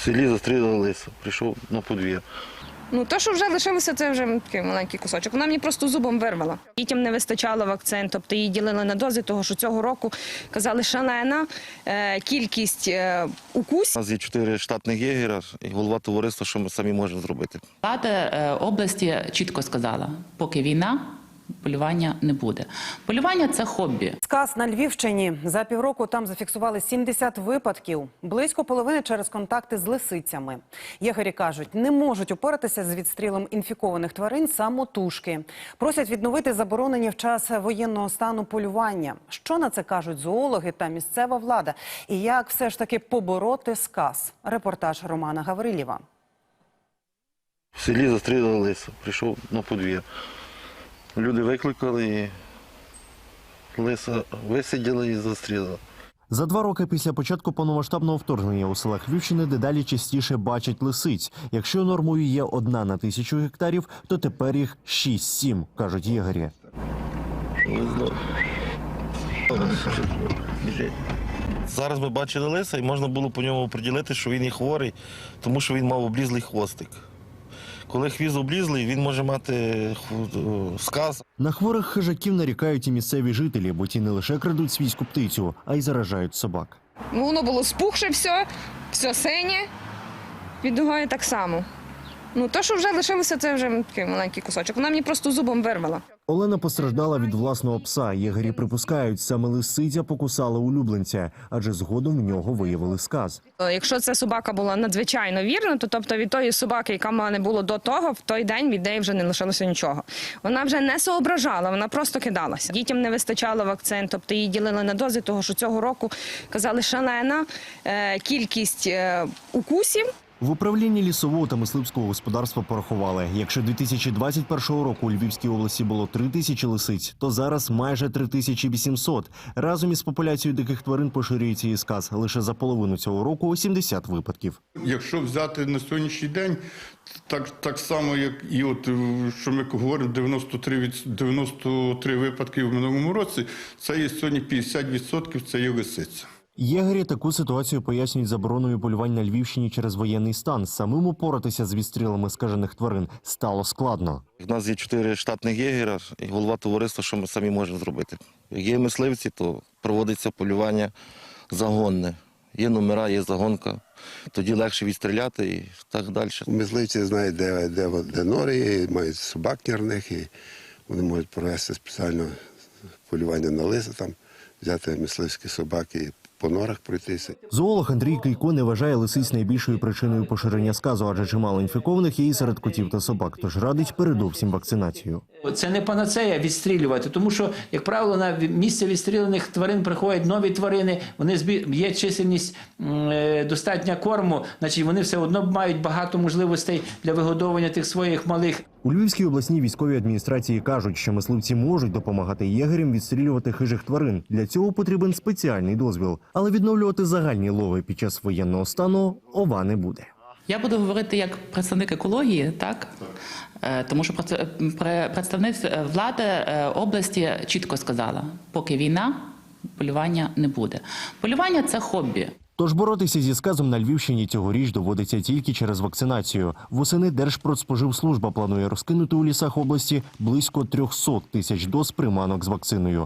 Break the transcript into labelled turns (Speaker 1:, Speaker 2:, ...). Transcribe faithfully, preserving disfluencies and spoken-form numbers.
Speaker 1: селі застрілили лиса, прийшов на подвір.
Speaker 2: Ну, те, що вже лишилося, це вже такий маленький кусочок. Вона мені просто зубом вирвала. Дітям не вистачало вакцин, тобто її ділили на дози, того, що цього року, казали, шалена е, кількість е, укусів.
Speaker 1: У нас є чотири штатних єгера і голова товариства, що ми самі можемо зробити.
Speaker 3: Влада е, області чітко сказала, поки війна, полювання не буде. Полювання – це хобі.
Speaker 4: Сказ на Львівщині. За півроку там зафіксували сімдесят випадків. Близько половини через контакти з лисицями. Єгері кажуть, не можуть упоратися з відстрілом інфікованих тварин самотужки. Просять відновити заборонені в час воєнного стану полювання. Що на це кажуть зоологи та місцева влада? І як все ж таки побороти сказ? Репортаж Романа Гаврилєва.
Speaker 1: В селі застрілили лиса, прийшов на подвір. Люди викликали, і лиса висиділи і застрілили.
Speaker 5: За два роки після початку повномасштабного вторгнення у селах Львівщини дедалі частіше бачать лисиць. Якщо нормою є одна на тисячу гектарів, то тепер їх шість-сім, кажуть єгері.
Speaker 1: Зараз ми бачили лиса і можна було по ньому приділити, що він є хворий, тому що він мав облізлий хвостик. Коли хвіст облізлий, він може мати сказ.
Speaker 5: На хворих хижаків нарікають і місцеві жителі, бо ті не лише крадуть свійську птицю, а й заражають собак.
Speaker 2: Ну, воно було спухше все, все синє, віддугає так само. Ну, те, що вже лишилося, це вже такий маленький кусочок. Вона мені просто зубом вирвала.
Speaker 5: Олена постраждала від власного пса. Єгері припускають, саме лисиця покусала улюбленця, адже згодом в нього виявили сказ.
Speaker 2: Якщо ця собака була надзвичайно вірна, то тобто від тої собаки, яка в мене було до того, в той день від неї вже не лишилося нічого. Вона вже не соображала, вона просто кидалася. Дітям не вистачало вакцин, тобто її ділили на дози, того, що цього року, казали, шалена е, кількість е, укусів.
Speaker 5: В управлінні лісового та мисливського господарства порахували, якщо дві тисячі двадцять першого року у Львівській області було три тисячі лисиць, то зараз майже три тисячі вісімсот. Разом із популяцією диких тварин поширюється і сказ. Лише за половину цього року сімдесят випадків.
Speaker 6: Якщо взяти на сьогоднішній день, так, так само, як і от, що ми говоримо, дев'яносто три, дев'яносто три випадки в минулому році, це є сьогодні п'ятдесят відсотків, це є лисиця.
Speaker 5: Єгері таку ситуацію пояснюють забороною полювань на Львівщині через воєнний стан. Самим упоратися з відстрілами скажених тварин стало складно.
Speaker 1: У нас є чотири штатних єгера і голова товариства, що ми самі можемо зробити. Як є мисливці, то проводиться полювання загонне. Є номера, є загонка, тоді легше відстріляти і так далі.
Speaker 7: Мисливці знають, де, де, де нори є, мають собак нірних, і вони можуть провести спеціально полювання на лиса, там, взяти мисливські собаки, по норах пройтися.
Speaker 5: Зоолог Андрій Кийко не вважає лисиць найбільшою причиною поширення сказу, адже чимало інфікованих є і серед котів та собак, тож радить передовсім вакцинацію.
Speaker 8: Це не панацея відстрілювати, тому що, як правило, на місце відстріляних тварин приходять нові тварини, вони збі... є чисельність е, достатня корму, значить вони все одно мають багато можливостей для вигодовування тих своїх малих.
Speaker 5: У Львівській обласній військовій адміністрації кажуть, що мисливці можуть допомагати єгерям відстрілювати хижих тварин. Для цього потрібен спеціальний дозвіл. Але відновлювати загальні лови під час воєнного стану ова не буде.
Speaker 3: Я буду говорити як представник екології, так? Е, Тому що представник влади е, області чітко сказала, поки війна, полювання не буде. Полювання – це хобі.
Speaker 5: Тож боротися зі сказом на Львівщині цьогоріч доводиться тільки через вакцинацію. Восени Держпродспоживслужба планує розкинути у лісах області близько трьохсот тисяч доз приманок з вакциною.